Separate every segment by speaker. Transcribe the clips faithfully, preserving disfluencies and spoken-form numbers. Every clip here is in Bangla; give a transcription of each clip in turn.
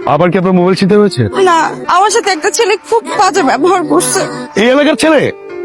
Speaker 1: আবার কি আপনার মোবাইল ছিনতে হয়েছে?
Speaker 2: না, আমার সাথে একটা ছেলে খুব বাজে ব্যবহার করছে।
Speaker 1: এই এলাকার ছেলে?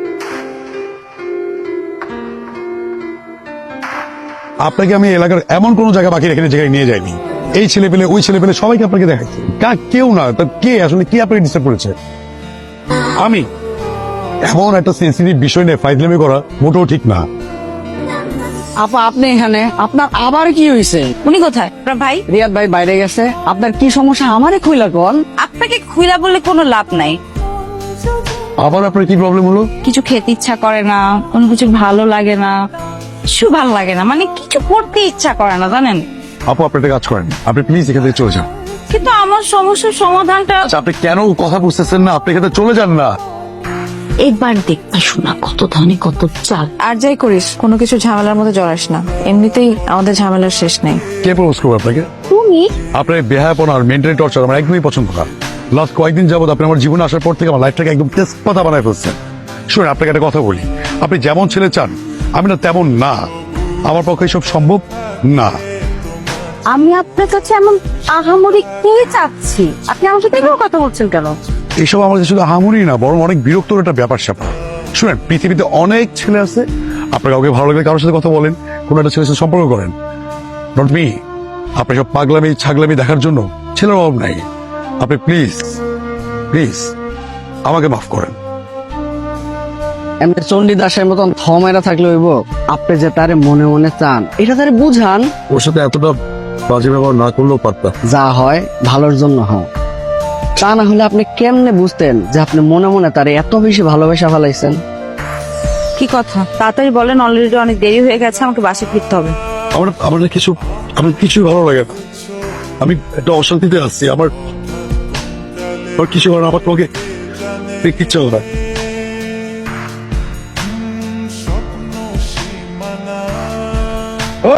Speaker 1: আপনাকে আমি এলাকার এমন কোন জায়গা বাকি রেখে জায়গায় নিয়ে যাইনি। এই ছেলে পেলে ওই ছেলে পেলে সবাইকে আপনাকে দেখাচ্ছি। কা কেউ না, তা কে আসলে কি আপনাকে ডিস্টার্ব করেছে? আমি এমন একটা সেন্সিটিভ বিষয় নিয়ে ফাইজলামি করা মোটেও ঠিক না।
Speaker 3: আপা আপনি এখানে, আপনার আবার কি হয়েছে?
Speaker 2: উনি কোথায়? আপনার ভাই?
Speaker 3: রিয়াদ ভাই বাইরে গেছে। আপনার কি সমস্যা আমারে খুইলা কোন?
Speaker 2: আপনাকে খুইলা বলে কোনো লাভ নাই।
Speaker 1: আবার আপনার কি প্রবলেম হলো?
Speaker 2: কিছু খেতে ইচ্ছা করে না, কোনো কিছু ভালো লাগে না, কিছু ভালো লাগে না, মানে কিছু করতে ইচ্ছা করে না, জানেন?
Speaker 1: আপু আপনি একটা কাজ করেন, আপনি প্লিজ এখান থেকে চলে যান।
Speaker 2: কিন্তু আমার সমস্যার সমাধানটা
Speaker 1: আচ্ছা, আপনি কেন কথা বুঝতেছেন না? আপনি এখান থেকে চলে যান না।
Speaker 2: একবার দেখতে শোনা কত ধানে কত চাল।
Speaker 4: আর যাই করিস কোনো কিছু ঝামেলার মধ্যে জড়াস না, এমনিতেই আমাদের ঝামেলার শেষ নেই।
Speaker 1: কে প্রপোজ করবে আপনাকে?
Speaker 2: তুমি
Speaker 1: আপনার বেহায়াপনা আর মেন্টালি টর্চার আমার একদমই পছন্দ না। লাস্ট কয়েকদিন যাবত আপনি আমার জীবনে আসার পর থেকে আমার লাইফটাকে একদম তেজপাতা বানায় ফেলছেন। শুনুন, আপনাকে একটা কথা বলি, আপনি যেমন ছেলে চান আমি না তেমন না। আমার পক্ষে সব সম্ভব না।
Speaker 2: আমি আপনার কাছে এমন আহামরি কি চাচ্ছি? আপনি আমার সাথে এভাবে কথা বলছেন কেন?
Speaker 1: এইসব আমার কাছে শুধু হামুরি না, বরং অনেক বিরক্তর একটা ব্যাপার স্যাপার। শুনেন, পৃথিবীতে অনেক ছেলে আছে, আপনার কাউকে ভালো লাগলে কারোর সাথে কথা বলেন, কোনো একটা ছেলের সাথে সম্পর্ক করেন। Not me. আপনি সব পাগলামি ছাগলামি দেখার জন্য ছেলের অভাব নাই। আপনি প্লিজ প্লিজ আমাকে মাফ করেন।
Speaker 3: এমনি চণ্ডীদাসের মতন থমেরা থাকলে হইব? আপনি যে তারে মনে মনে চান এটা তারে বুঝান।
Speaker 1: ওর সাথে এতটা বাজে ব্যবহার না করলেও পারতাম।
Speaker 3: যা হয় ভালোর জন্য হয়, তা না হলে আপনি কেমনে বুঝতেন যে আপনি মনে মনে তারে এত বেশি ভালোবাসা ফেলাইছেন?
Speaker 2: কি কথা, তাড়াতাড়ি বলেন, অলরেডি অনেক দেরি হয়ে গেছে, আমাকে বাসে ফিরতে হবে।
Speaker 1: আমার আমার না কিছু আমার কিছুই ভালো লাগে না। আমি একটা অশান্তিতে আসছি। আমার আমার কিছু আমার তোমাকে দেখতে ইচ্ছা হয় না।